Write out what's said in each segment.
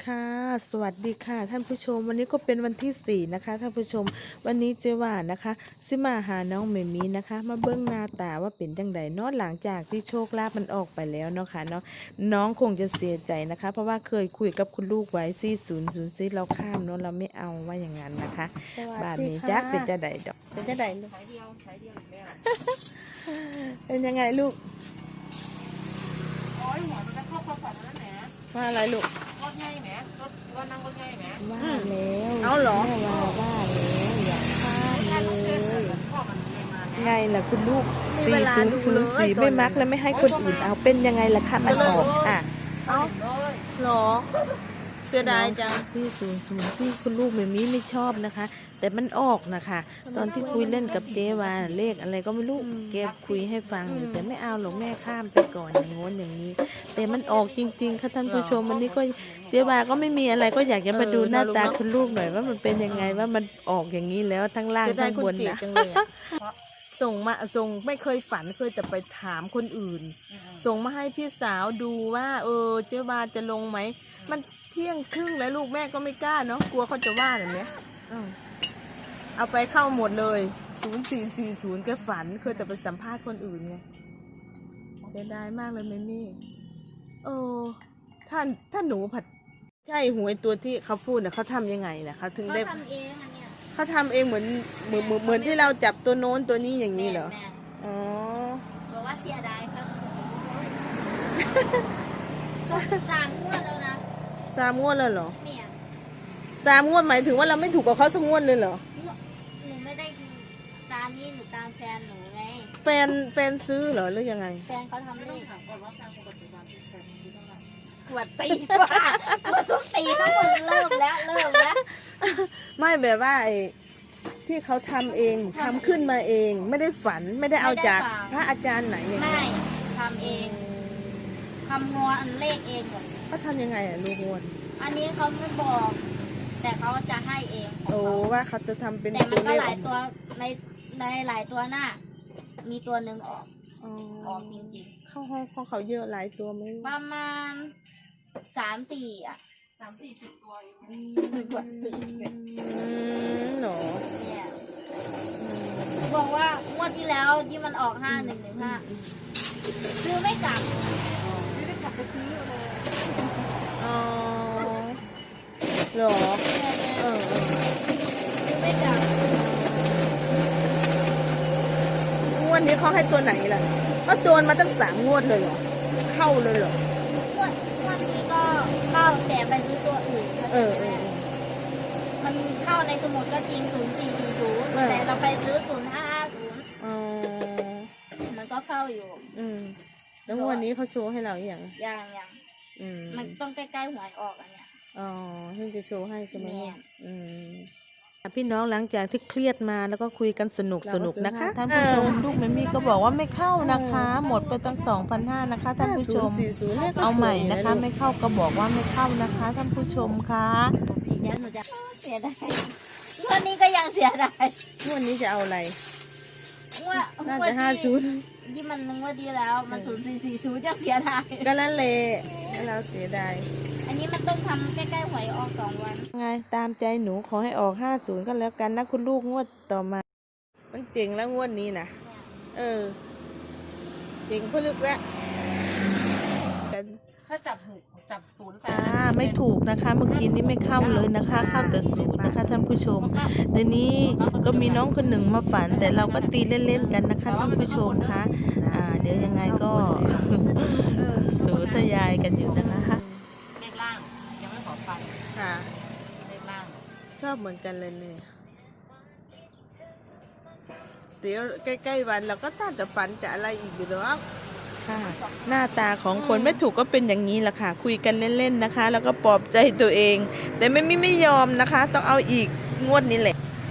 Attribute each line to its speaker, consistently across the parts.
Speaker 1: ค่ะสวัสดีค่ะท่านผู้ชมวันนี้ก็เป็นวันที่4นะคะท่านผู้ชมวันนี้เจว่านะคะซิมาหาน้องเมมี่นะคะมาเบิ้งหน้าตาว่าเป็นจังไดเนาะหลังจากที่โชคลาภมันออกไปแล้วเนาะค่ะเนาะน้องคงจะเสียใจนะคะเพราะว่าเคยคุยกับคุณลูกไว้4004เราข้ามเนาะเราไม่เอาว่าอย่างนั้นนะคะบาทนี้จักเป็นจะไดดอกเป็นจะไดลูก
Speaker 2: ใช้เดียวอีกแล้ว
Speaker 1: เป็นยังไงลูก
Speaker 2: โอ้ยหัวมันจะเข้าความฝันแล้วแหม
Speaker 1: ว่าอะไรลูก
Speaker 2: รถใหญ่แหมรถว่านั่งรถใหญ่แหม
Speaker 1: ว่าแล้ว
Speaker 3: เอาเหรอ
Speaker 1: แม่ว่าแล้วอย่าข้ามเลย
Speaker 2: พ่อมันเลยมาแหม
Speaker 1: ไงล่ะคุณลูก
Speaker 3: มีเวลาดูเลย
Speaker 1: 4004ไม่มักแล้วไม่ให้คนอื่นเอาเป็นยังไงล่ะคะมันออกค่ะ
Speaker 3: เอา
Speaker 2: เลย
Speaker 3: หรอ เสียดายจัง
Speaker 1: 4004คุณลูกไม่มีไม่ชอบนะคะ แต่มันออกนะคะตอนที่คุยเล่นกับเจวาเลขอะไรก็ไม่รู้เก็บคุยให้ฟังอยู่แต่ไม่เอาหรอกแม่ข้ามไปก่อนอย่างโน้นอย่างนี้ แต่มันออกจริงๆค่ะท่านผู้ชมวันนี้ก็เจวาก็ไม่มีอะไรก็อยากจะมาดูหน้าตาคุณลูกหน่อยว่ามันเป็นยังไงว่ามันออกอย่างนี้แล้วทั้งล่าง
Speaker 3: เสียดา
Speaker 1: ทั้
Speaker 3: ย
Speaker 1: ง
Speaker 3: คุณ
Speaker 1: บน
Speaker 3: จี
Speaker 1: นะ
Speaker 3: จังเลยอะส่งไม่เคยฝันเคยแต่ไปถามคนอื่น ส่งมาให้พี่สาวดูว่าเจ๊วาจะลงไหมมันเที่ยงครึ่งแล้วลูกแม่ก็ไม่กล้าเนาะกลัวเขาจะว่าแบบเนี้ยเอาไปเข้าหมดเลย0440แกฝันเคยแต่ไปสัมภาษณ์คนอื่นไงเสียดายมากเลยแม่มี่ถ้าหนูผัดใช่หวยตัวที่เขาพูดน่ะเขาทำยังไงน่ะเขาถึงได้
Speaker 4: เขาทำเองอันเนี้ย
Speaker 3: เขาทำเองเหมือนที่เราจับตัวโน้นตัวนี้อย่างนี้เหรอ
Speaker 4: แม่
Speaker 3: อ๋อ
Speaker 4: บอกว่าเสียดายครับ ก็3 งวดแล้วนะ
Speaker 3: 3 งวดแล้วเหรอ
Speaker 4: เนี่ย
Speaker 3: 3 งวดหมายถึงว่าเราไม่ถูกกับเขาสักงวดเลยเหรอ
Speaker 4: หนูไม่ได้ตามนี่หนูตามแฟนหนูไง
Speaker 3: แฟนซื้อเหรอหรือยังไง
Speaker 4: แฟนเขาทำ
Speaker 2: ไม่
Speaker 4: เล
Speaker 2: ต้อง
Speaker 4: ข
Speaker 2: ถามก่อนว่าแฟนคนปัจจุบันที่แฟนคือเท่าไหร่
Speaker 4: ขวดตีว่าขวดทุกตีทั้งหมดเริ่มแล้ว
Speaker 3: ไม่แบบว่าไอ้ที่เขาทำเองทำขึ้นมาเอง ไม่ได้ฝันไม่ได้เอาจากพระอาจารย์ไหนอย่าง
Speaker 4: ไม่
Speaker 3: นี้
Speaker 4: ทำเองคำนวณอันเลขเองหมด
Speaker 3: เขาทำยังไงอะลูกงวด
Speaker 4: อันนี้เขาไม่บอก แต่เขาจะให้เองของ
Speaker 3: โอ้
Speaker 4: เขา
Speaker 3: ว่าเขาจะทำเป็น
Speaker 4: แต่มันก็
Speaker 3: เลข
Speaker 4: หลายตัวในหลายตัวหน้า มีตัวหนึ่งออก
Speaker 3: อ๋อ
Speaker 4: ออกจริง
Speaker 3: เข้าห้องของเขาเยอะหลายตัวไหม
Speaker 4: ๆ ประมาณ3-4 อ่ะ
Speaker 2: 30-40 ตัวเอง
Speaker 4: ขวดตี
Speaker 3: เหรอ
Speaker 4: เนี่ยบอกว่างวดที่แล้วที่มันออก5115คือไม่กลับ
Speaker 2: ไม่ได้กลับไปซื้อเลย
Speaker 3: อ๋อเหรอเออ
Speaker 4: คือไม่กลับ
Speaker 3: งวดนี้เขาให้ตัวไหนล่ะเขาโดนมาตั้ง3 งวดเลยเหรอเข้าเลยเหรอ
Speaker 4: งวดนี้ก็เข้าแต่ไปซื้อตัวอื่น
Speaker 3: เออ
Speaker 4: มันเข้าในสมุดก็จริง0440แต่เราไปซื้อ0550
Speaker 3: อ๋อ
Speaker 4: มันก็เข้าอยู่
Speaker 3: แล้วงวันนี้เขาโชว์ให้เราอย่าง
Speaker 4: อย่าง
Speaker 3: อืม
Speaker 4: มันต้องใกล้ๆหวยออกอันเนี้ย
Speaker 3: อ๋อเพิ่งจะโชว์ให้ใช่ไหม
Speaker 4: แม่
Speaker 3: อืม
Speaker 1: พี่น้องหลังจากที่เครียดมาแล้วก็คุยกันสนุก
Speaker 3: เราก็ซื้อ
Speaker 1: นะคะ
Speaker 3: ให้
Speaker 1: ท่านผู้ชมลูกแมมี่ก็บอกว่าไม่เข้านะคะ หมดไปตั้ง 2,500นะคะท่านผู้ชม
Speaker 3: 5040นี่ยก็
Speaker 1: เอาใหม่
Speaker 3: สวย
Speaker 1: นะคะ
Speaker 3: ลูก
Speaker 1: ไม่เข้าก็บอกว่าไม่เข้านะคะท่านผู้ชมคะ
Speaker 4: เดี๋ยวหนูจะเสียดายงวดนี้ก็ยังเสียดาย
Speaker 3: งวดนี้จะเอาอะไร
Speaker 4: งวด
Speaker 3: น่าจะ
Speaker 4: งวด
Speaker 3: 50
Speaker 4: ที่มันงวดที่แล้วมัน0440จะเสียดาย
Speaker 3: ก็นั่นแหละให้เราเสียดาย
Speaker 4: อันนี้มันต้องทำใกล้ๆหวยออก2 วัน
Speaker 1: ไงตามใจหนูขอให้ออก50ก็แล้วกันนะคุณลูกงวดต่อมา
Speaker 3: มันเจ๋งแล้วงวดนี้นะเจ๋งพลึกแล้วกัน
Speaker 2: ถ้าจับศูนย์ใส่
Speaker 1: ไม่ถูกนะคะเมื่อกี้นี้ไม่เข้าเลยนะคะ เข้าแต่ศูนย์นะคะท่านผู้ชมเดี๋ยวนี้ก็มีน้องคนหนึ่งมาฝัน แต่เราก็ตีเล่นๆกันนะคะท่านผู้ชมคะเดี๋ยวยังไงก็ สูทยายกันอยู่นะคะ
Speaker 2: เลขล่างยังไม่ขอฟัน
Speaker 3: ค่ะ
Speaker 2: เลขล่าง
Speaker 3: ชอบเหมือนกันเลยเนี่ยเดี๋ยวใกล้ๆวันเราก็น่าจะฝันจะอะไรอีกอยู่หรอก
Speaker 1: ค่ะหน้าตาของคนไม่ถูกก็เป็นอย่างนี้แหละค่ะ คุยกันเล่นๆนะคะ แล้วก็ปลอบใจตัวเอง แต่ไม่ยอมนะคะ ต้องเอาอีกงวดนี้แหละ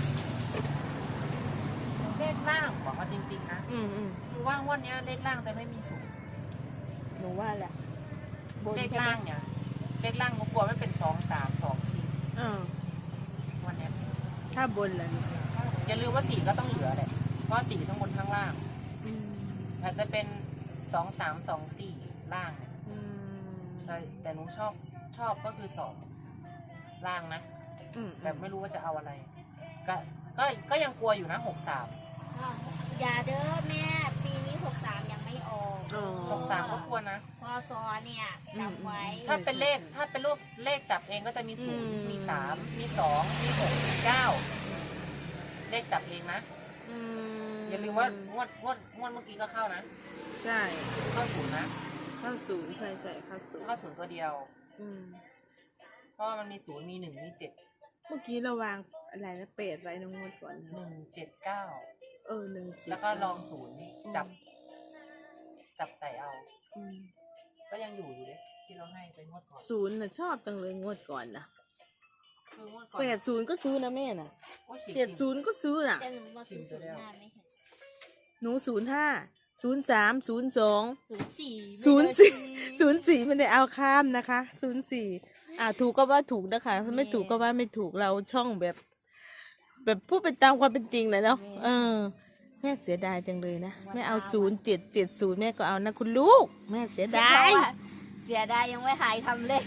Speaker 2: เลขล่างบอกว่าจริงๆนะ
Speaker 3: อืม
Speaker 2: คือว่างวันนี้เลขล่างจะไม่มีศูนย์
Speaker 3: หนูว่าแหละ
Speaker 2: เลขล่างเนี่ยเลขล่างหนูกลัวไม่เป็น2-3-2-4วันเนี้ย
Speaker 3: ถ้าบนล่ะนี่
Speaker 2: อย่าลืมว่า4ก็ต้องเหลือแหละเพราะ4ทั้งบนทั้งล่างอาจจะเป็น2-3-2-4ล่างเนี่ยแต่หนูชอบก็คือ2 ล่างนะ
Speaker 3: อืม
Speaker 2: แต่ไม่รู้ว่าจะเอาอะไร ก็ยังกลัวอยู่นะ63
Speaker 4: อย่าเด้อแม่ปีนี้63ยังไม่ออก
Speaker 3: อ๋อ
Speaker 2: 63ก็กลัวนะ
Speaker 4: พอซอเนี่ยจำไว้
Speaker 2: ถ้าเป็นเลขถ้าเป็นรูปเลขจับเองก็จะมี
Speaker 3: อืม
Speaker 2: 0มี3มี2มี6มี9เลขจับเองนะ
Speaker 3: อืม
Speaker 2: อย่าลืมว่างวดเมื่อกี้ก็เข้านะ
Speaker 3: ใช่
Speaker 2: เข้า0นะ
Speaker 3: เข้าศูนย์ใช่ใช่เข้าศูนย์
Speaker 2: เข้า0ตัวเดียว
Speaker 3: อืม
Speaker 2: เพราะว่ามันมี0มี1มี7
Speaker 3: เมื่อกี้เราวางอะไรนะเป็ดไว้ในงวดก่อนนะ
Speaker 2: 179
Speaker 3: 1
Speaker 2: แล้วก็ลอง0จับใส่เอา
Speaker 3: อืม
Speaker 2: ก็ยังอยู่เลยที่เราให้ไปงวดก่อน
Speaker 3: ศูนย์น่ะชอบจังเลยงวดก่อนนะ
Speaker 2: คืองวดก่อน
Speaker 3: 80ก็ซื้อนะแม่น่ะ
Speaker 2: โอ้ยฉีก
Speaker 3: 70ก็ซื้อน่ะ
Speaker 4: แต่หนูมาซื้อ05ไม่เห็น
Speaker 3: หนู05 03 02
Speaker 4: 04
Speaker 3: 04ไม่ได้เอาข้ามนะคะ04ถูกก็ว่าถูกนะคะไม่ถูกก็ว่าไม่ถูกเราช่องแบบพูดไปตามความเป็นจริงเลยเนาะแม่เสียดายจังเลยนะแม่เอา0770แม่ก็เอานะคุณลูกแม่เสียดาย
Speaker 4: เสียดายยังไม่หายทำเลข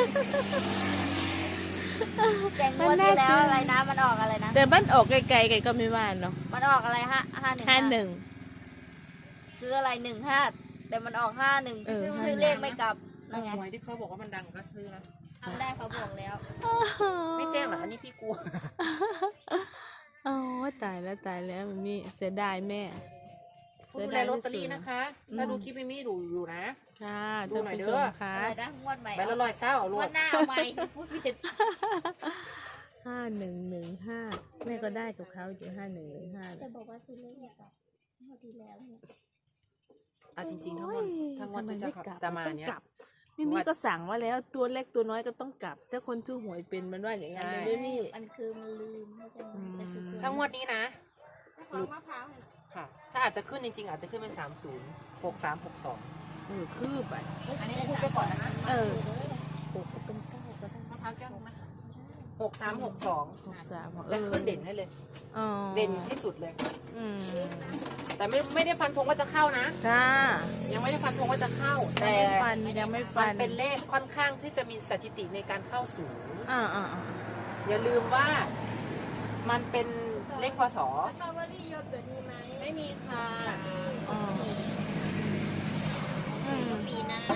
Speaker 4: แต่งวดที่แล้วอะไรนะมันออกอะไรนะ
Speaker 3: แต่บ้านออกไกลๆกันก็ไม่ว่าเนาะ
Speaker 4: มันออกอะไร51
Speaker 3: 51
Speaker 4: ซื้ออะไร15แต่มันออก51
Speaker 3: เออ
Speaker 4: ซื้อเลขไม่กลับนั่นไง
Speaker 2: หวยที่เขาบอกว่ามันดังก็ซื้อนะ
Speaker 4: ครั้งแรกเขาบอกแล้ว
Speaker 2: ไม่แจ้งเหรออันนี้พี่กลัว
Speaker 3: อ๋อตายแล้วมันมีเสียดายแม่
Speaker 2: ผู้ดูแลลอตเตอรี่นะคะ ถ้าดูคลิปไม่มีดูอยู่นะ
Speaker 3: ค่ะ
Speaker 2: ดู
Speaker 3: ท่าน
Speaker 2: หน่อย
Speaker 3: ผู้
Speaker 2: เด้
Speaker 3: ช
Speaker 2: อ
Speaker 3: มค่ะ
Speaker 4: อะไรนะงวดใหม่
Speaker 2: ใบละ100เศร้าเอา
Speaker 4: ง
Speaker 2: ลู
Speaker 4: ว
Speaker 2: ก
Speaker 4: ดหน้าเอาใหม่พูดผิด
Speaker 3: 5115แม่ก็ได้กับเขาอยู่5115
Speaker 4: จะบอกว่าซื้อเลขไม่กลับงวดที่แล้วเนี่ย
Speaker 2: อ่ะจริงๆทั้งหมดจะมาเนี่ย
Speaker 3: มิมี่ก็สั่งว่าแล้วตัวเล็กตัวน้อยก็ต้องกลับถ้าคนชื่อหวยเป็นมันว่าอย่างนั้น
Speaker 2: ใช่
Speaker 3: มิมี่
Speaker 4: มันคือมันลืมเข้าใจไหมไปซื้อตัว
Speaker 2: ทั้งงวดนี้นะ
Speaker 3: ของมะพร้าว
Speaker 2: ค่ะ ถ้าอาจจะขึ้นจริงๆอาจจะขึ้นเป็น30 63 62
Speaker 3: คืบอ่ะ
Speaker 2: อันนี้พูดไปก่อนนะ
Speaker 3: เออ
Speaker 4: 6ก็เป็น9ก็ได้
Speaker 2: มะพร้าวแก้วไหม63 62
Speaker 3: 63
Speaker 2: จะขึ้นเด่นให้เลย
Speaker 3: อ๋อ
Speaker 2: เด่นที่สุดเลย
Speaker 3: อืม
Speaker 2: แต่ไม่ได้ฟันธงว่าจะเข้านะ
Speaker 3: ค่ะ
Speaker 2: ยังไม่ได้ฟันธงว่าจะเข้า
Speaker 3: ยัง
Speaker 2: แต่
Speaker 3: ไม่ฟันยังไม่
Speaker 2: มั
Speaker 3: ฟั
Speaker 2: น
Speaker 3: น
Speaker 2: เป็นเลขค่อนข้างที่จะมีสถิติในการเข้าศูนย์
Speaker 3: อ่า
Speaker 2: อย่าลืมว่ามันเป็นเลขพศ
Speaker 4: สตรอเบอรี่โยเกิร์ตมีไหม
Speaker 2: ไม่มีค่ะ
Speaker 3: อ๋ออืม
Speaker 4: ปีหน้า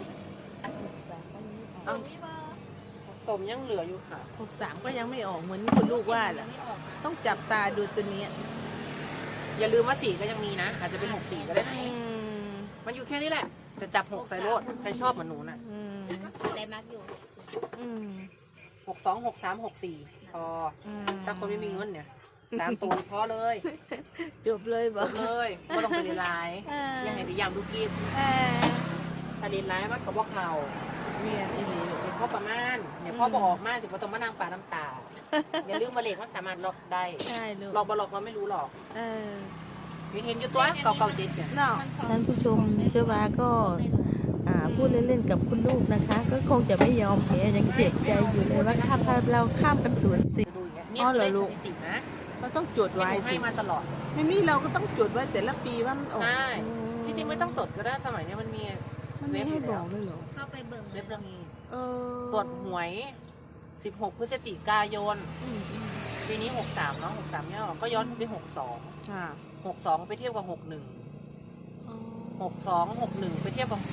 Speaker 2: เอา สมยังเหลืออยู่ค่ะ
Speaker 3: 63ก็ยังไม่ออกเหมือนคุณลูกว่าแหละ
Speaker 4: ไม่ออกนะ
Speaker 3: ต้องจับตาดูตัวนี้
Speaker 2: อย่าลืมว่า4ก็ยังมีนะ อาจจะเป็น64ก็ได้นะ
Speaker 3: อืม
Speaker 2: มันอยู่แค่นี้แหละแต่จับ6ใส่โลดใครชอบเหมือนหนูน่ะ
Speaker 3: อืม
Speaker 4: แต่มักอยู่
Speaker 3: อืม
Speaker 2: 62 63 64พอ
Speaker 3: อืม
Speaker 2: ถ้าคนไม่มีเงินเนี่ย3 ตัวพอเลย
Speaker 3: จบเลยบ
Speaker 2: จ
Speaker 3: อก
Speaker 2: บเลยไม่ต้องไปเรียนไลน์
Speaker 3: อ่า
Speaker 2: ยังไงดียามดูกิน
Speaker 3: อ่า
Speaker 2: ถ้าเรียนไลน์มันก็บอกเขา
Speaker 3: เมียนอีหลี
Speaker 2: เดี๋ยวพ่อประมาณเนี่ยพ่อบอกมากถึงว่าต้องมานั่งปาน้ำตา อย่าลืมมาเลขมันสามารถล็อกได้
Speaker 3: ใช่ลูก
Speaker 2: หลอกบ่หลอกเราไม่รู้หรอก
Speaker 3: เออ
Speaker 2: มีเห็นอยู่ตัวเก่าๆเจ็ดเนี่ย
Speaker 3: เนาะท่านผู้ชมเจ้าวาก็พูดเล่นๆกับคุณลูกนะคะ ก็คงจะไม่ยอมแพ้ยังเจ็บใจอยู่เลยว่าถ้าเราข้ามกัน0-10
Speaker 2: จะดูอย่างเงี้ย
Speaker 3: อ๋
Speaker 2: เนี่ย
Speaker 3: อ
Speaker 2: คือ
Speaker 3: เหรอลูก
Speaker 2: เลขสถิตินะ
Speaker 3: เราต้องจด
Speaker 2: ที่
Speaker 3: ไว้
Speaker 2: หนูให้
Speaker 3: สิ
Speaker 2: มาตลอด
Speaker 3: ไม่มีเราก็ต้องจดไว้แต่ละปีว่ามันออก
Speaker 2: ใช่
Speaker 3: อื
Speaker 2: ที่จริงไม่ต้องตดก็ได้สมัยเนี้ยมันมี
Speaker 3: มันไม่ให้บอกเลยเหรอ
Speaker 4: เข้าไปเบิ่งเล
Speaker 2: เว็
Speaker 4: ย
Speaker 2: บเรื่องนี้
Speaker 3: เออ
Speaker 2: ตรวจหวย 16 พฤศจิกายน
Speaker 3: อืม
Speaker 2: ปีนี้ 63เนาะ63เนี่ยก็ย้อนไป62
Speaker 3: ค่ะ
Speaker 2: 62 ไปเทียบกับ 61
Speaker 3: อ๋อ
Speaker 2: 62 61 ไปเทียบกับ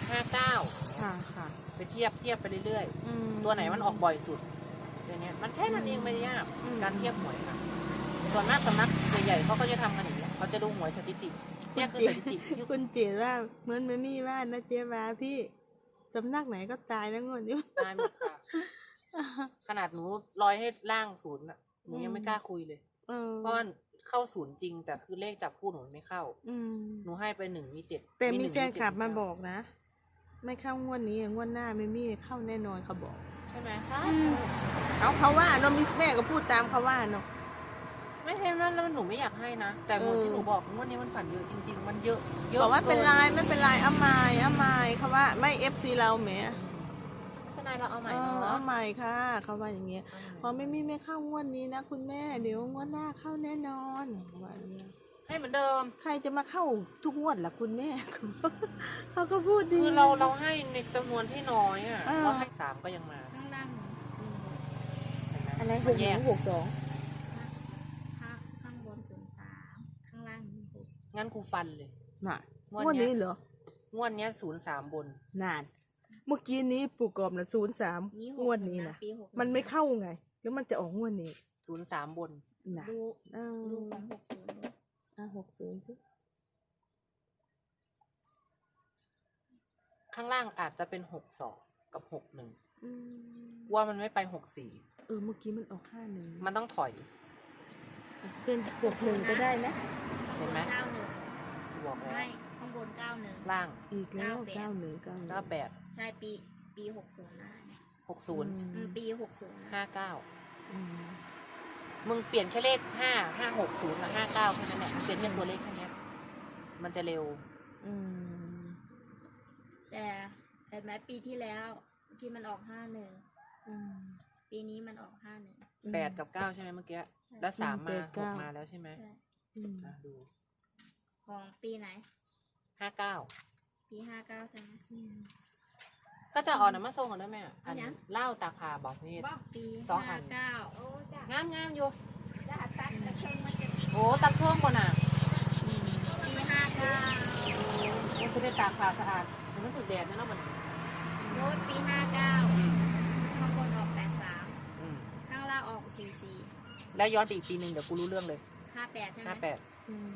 Speaker 2: 59
Speaker 3: ค่ะค่ะ
Speaker 2: ไปเทียบไปเรื่อย
Speaker 3: อืม
Speaker 2: ๆ ตัวไหนมันออกบ่อยสุดเดี๋ยวนี้มันแค่นั้นเองไม่ได้ยาก
Speaker 3: อืม
Speaker 2: การเทียบหวยค่ะส่วนมากสำนักใหญ่ๆเขาก็จะทำกันอย่างนี้ยเขาจะดูหวยสถิติเนี่ยคือสถิติที่
Speaker 3: คุณเจดว่าเหมือนไม่มีว่านะเจ๊วาพี่สำนักไหนก็ตายแล้วงวดนี้
Speaker 2: ตายหมดค่ะขนาดหนูลอยให้ล่างศูนย์อ่ะหนูยังไม่กล้าคุยเลย
Speaker 3: เออ
Speaker 2: เพราะว่าเข้าศูนย์จริง แต่คือเลขจับคู่หนูไม่เข้า
Speaker 3: อืม
Speaker 2: หนูให้ไป1 มี 7
Speaker 3: แต่มีแฟนคลับมาบอกนะ ไม่เข้างวดนี้งวดหน้าไม่มีเข้าแน่นอนเขาบอก
Speaker 2: ใช่ไหมใช่
Speaker 3: เขาว่าเนาะมีแม่ก็พูดตามเขาว่าเนาะ
Speaker 2: ไม่ใช่ว่าแล้วหนูไม่อยากให้นะแต่หมดที่หนูบอกงวดนี้มันฝันเยอะจริง ๆ มันเยอะเยอะ
Speaker 3: บอกว่าเป็น
Speaker 2: กิ
Speaker 3: ไรไม่เป็นไรเอาใหม่เขาว่าไม่ FC เราแหม
Speaker 2: เป็นไรเราเอาใหม่
Speaker 3: เออ
Speaker 2: เนาะ
Speaker 3: เอาใหม่ค่ะเขาว่าอย่างเงี้ยพอไม่มีไม่เข้างวดนี้นะคุณแม่เดี๋ยวงวดหน้าเข้าแน่นอนเขาว่าอย่างเงี้ย
Speaker 2: ให้เหมือนเดิม
Speaker 3: ใครจะมาเข้าทุกงวดล่ะคุณแม่ เขาก็พูดดี
Speaker 2: คือเราให้ในจำนวนที่น้อยอ่ะ
Speaker 3: เออ
Speaker 2: เราให้3ก็ยังมา
Speaker 4: ข้างล่าง
Speaker 1: อะไร
Speaker 2: มันแยก
Speaker 1: 61 62
Speaker 4: ข้างบน03ข้างล่าง06
Speaker 2: งั้นกูฟันเลย
Speaker 3: น่ะ
Speaker 2: งวด
Speaker 3: งวด
Speaker 2: เนี้
Speaker 3: นี้
Speaker 2: ย
Speaker 3: เหรอ
Speaker 2: งวดเนี้ย03บน
Speaker 3: นาน เมื่อกี้นี้ปู่กอบนะ03
Speaker 4: นี่
Speaker 3: งวดนี้นะ
Speaker 4: ปี61
Speaker 3: มันไม่เข้าไง แล้วมันจะออกงวดนี้
Speaker 2: 03บน
Speaker 3: นะ
Speaker 4: ดู
Speaker 3: เอ
Speaker 4: ดู
Speaker 3: อ
Speaker 4: ของ60ดู
Speaker 3: 60สิ
Speaker 2: ข้างล่างอาจจะเป็น62กับ61
Speaker 3: อืม
Speaker 2: ว่ามันไม่ไป64
Speaker 3: เมื่อกี้มันออก51
Speaker 2: มันต้องถอย
Speaker 1: เป็น61ก็ได้นะ
Speaker 2: เห็นไหม
Speaker 4: 91
Speaker 2: บอกแล้ว
Speaker 4: ไม่ข้างบน91
Speaker 2: ล่าง
Speaker 3: อีกแล้ว
Speaker 4: 91
Speaker 2: 98
Speaker 4: ใช่ปี60นะ
Speaker 2: 60
Speaker 4: ปี60นะ
Speaker 2: 59
Speaker 3: อืม
Speaker 2: มึงเปลี่ยนแค่เลข5 560กับ59แค่นั้นแหละเปลี่ยนแค่ตัวเลขแค่เนี้ยมันจะเร็ว
Speaker 3: อืม
Speaker 4: แต่เห็นไหมปีที่แล้วที่มันออก51
Speaker 3: อืม
Speaker 4: ปีนี้มันออก51
Speaker 2: 8 กับ 9 ใช่ไหมเมื่อกี้ แล้ว 3 มา
Speaker 3: 8 9
Speaker 2: 6 มาแล้วใช่ไหม
Speaker 4: ใช่
Speaker 3: อืม
Speaker 2: ดู
Speaker 4: ของปีไหน
Speaker 2: 59
Speaker 4: ปี59ใช่ไหม
Speaker 2: ก็จะอ่อนน้ำมาส่งกันด้วยแม่อัน
Speaker 4: อันยัง
Speaker 2: เหล้าตากผาบอกนี่
Speaker 4: ปี
Speaker 2: สองอัน
Speaker 4: 59
Speaker 2: งามอยู่โอ้ตักเครื่องก่อนอ่ะ
Speaker 4: ปี59
Speaker 2: มันคือได้ตากผาสะอาดมันถูกแดดนะเนาะมัน
Speaker 4: โน้ตปี59ข้างบนออก83
Speaker 2: อืม
Speaker 4: ข้างล่างออก44
Speaker 2: แล้วย้อนไปอีกปีหนึ่งเดี๋ยวกูรู้เรื่องเลย
Speaker 4: 58ใช่ไหม
Speaker 2: 58
Speaker 3: อืม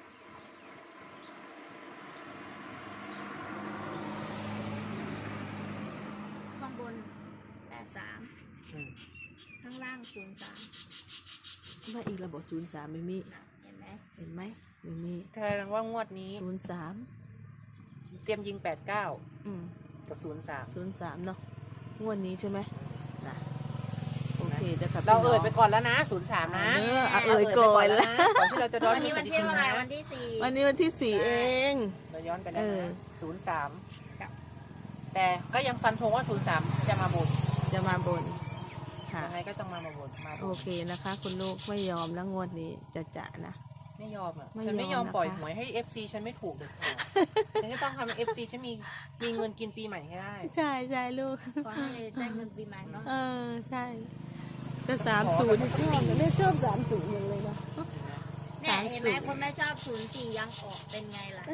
Speaker 4: ข้างบน83
Speaker 2: อืม
Speaker 4: ข้างล่าง03
Speaker 3: ว่าอีกระบบ03ไม่มี
Speaker 4: นะเห็นไหม
Speaker 3: เห็นไหมไม่มี
Speaker 2: แสดงว่างวดนี้
Speaker 3: 03
Speaker 2: เตรียมยิง 89
Speaker 3: อืม
Speaker 2: กับ 03
Speaker 3: 03เนาะงวดนี้ใช่ไหมนะโอเคเดี๋ยวครับ
Speaker 2: เรา
Speaker 3: พี่น้
Speaker 2: เอ่
Speaker 3: อย ง
Speaker 2: ไปก่อนแล้วนะ 03 นะ
Speaker 3: เออเอ่ยก่อนแล้ว
Speaker 2: ก่อนที่เราจะย้อน
Speaker 4: วันนี้วันที่เท่าไหร่วันที่
Speaker 3: วันนี้วันที่ 4 เอง
Speaker 2: เราย้อนไปแล้ว
Speaker 3: เออ
Speaker 2: นะ
Speaker 4: กับ
Speaker 2: 03 แต่ก็ยังฟันธงว่า 03 จะมาบน
Speaker 3: จะมาบนค่ะ
Speaker 2: ยังไงก็จะมาบนมาบ
Speaker 3: โอน เคนะคะ คุณลูกไม่ยอมแล้วงวดนี้จะนะ
Speaker 2: ไม่ยอมอ่ะ
Speaker 3: ไม่
Speaker 2: ฉันไม่ย
Speaker 3: ย
Speaker 2: อ
Speaker 3: อ
Speaker 2: ม
Speaker 3: ม
Speaker 2: ปล่อย
Speaker 3: นะคะ
Speaker 2: หวยให้ FC ฉันไม่ถูกเด็ดขาด ฉันจะต้องทำให้ FC ฉันมีเงินกินปีใหม่ให้ได้
Speaker 3: ใช่ใช่ลูก
Speaker 4: 4ขอให้ได้เงินปีใหม่เนาะ
Speaker 3: ใช่แต่30นี่ชอบไม่ชอบ30อย่างเลยนะ
Speaker 4: เนี่ยเห็นไหม
Speaker 3: 30
Speaker 4: คนไม่ชอบ04ยังออกเป็นไงล่ะ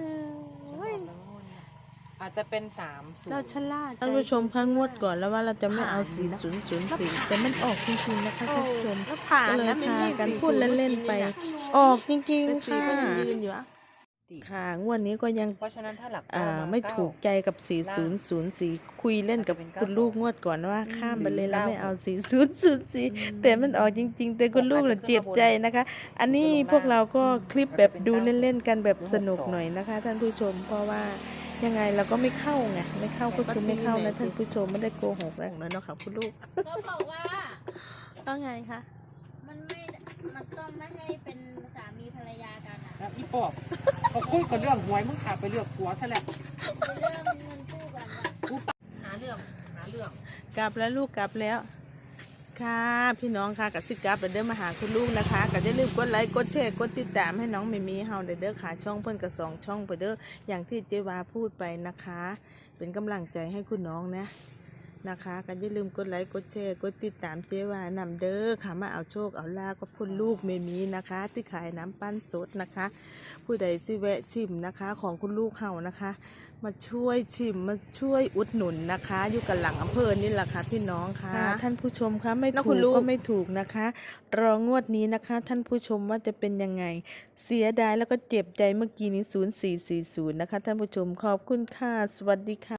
Speaker 2: อาจจะเป็น30
Speaker 3: เราฉลาด
Speaker 1: ท่านผู้ชมคะงวดก่อนแล้วว่าเราจะไม่เอา4004แต่มันออกจริงๆนะคะท่านผู้ชม
Speaker 3: แล้วผ่าน
Speaker 1: ก็เลย
Speaker 3: นะไม่
Speaker 1: พา
Speaker 3: มี
Speaker 1: กัน
Speaker 3: สี
Speaker 1: พูดเล่นๆไป ออกจริง
Speaker 3: เป็น
Speaker 1: ๆ
Speaker 3: สี
Speaker 1: ค่ะ
Speaker 3: ก็ยังยืนอยู่อะ
Speaker 1: ค่ะ งวดนี้ก็ยัง
Speaker 2: เพราะฉะนั้นถ้าหลัก
Speaker 1: ไม่ถูกใจกับ4004คุยเล่นกับคุณลูกงวดก่อนว่าข้ามไปเลยแล้วไม่เอา4004แต่มันออกจริง ๆ แต่คุณลูกเราเจ็บใจนะคะ อันนี้พวกเราก็คลิปแบบดูเล่นๆกันแบบสนุกหน่อยนะคะ ท่านผู้ชม เพราะว่ายังไงเราก็ไม่เข้าไงไม่เข้าก็คือไม่เข้านะท่านผู้ชมไม่ได้โกหกแล้ว
Speaker 3: แล้วเนาะค่ะคุณลูก
Speaker 4: เขาบอกว่า
Speaker 3: ว่าไงคะ
Speaker 4: มันต้องไม่ให้เป็นสามีภรรยากันอ่ะ
Speaker 2: แล้วอีปอบเขาคุยกันเรื่องหวยมึงขาไปเลือกผัวซะแหละ
Speaker 4: เป็นเรื่องเงินกู้กันว่า
Speaker 2: หาเรื่อง
Speaker 3: กลับแล้วลูกกลับแล้ว ค่ะพี่น้องค่ะกับสิกลับเดินมาหาคุณลูกนะคะก็อย่าลืมกดไลค์กดแชร์กดติดตามให้น้องเมมี่เฮาเด้อค่ะช่องเพิ่นกับ2ช่องไปเด้ออย่างที่เจวาพูดไปนะคะ เป็นกำลังใจให้คุณน้องนะคะก็อย่าลืมกดไลค์กดแชร์กดติดตามเจวานำเด้อค่ะมาเอาโชคเอาลาบกับคุณลูกเมมี่นะคะ ที่ขายน้ำปั้นสดนะคะ ผู้ใดสิแวะชิมนะคะของคุณลูกเฮานะคะ มาช่วยชิมมาช่วยอุดหนุนนะคะ อยู่กันหลังอำเภอนี่แหละค่ะพี่น้องค่ะ
Speaker 1: ท่านผู้ชมคะไม่
Speaker 3: แล้ว
Speaker 1: ถู
Speaker 3: คุ
Speaker 1: ก
Speaker 3: ณลูก
Speaker 1: ก็ไม่ถูกนะคะ รองวดนี้นะคะ ท่านผู้ชมว่าจะเป็นยังไง เสียดายแล้วก็เจ็บใจเมื่อกี้นี้0440นะคะ ท่านผู้ชมขอบคุณค่ะสวัสดีค่ะ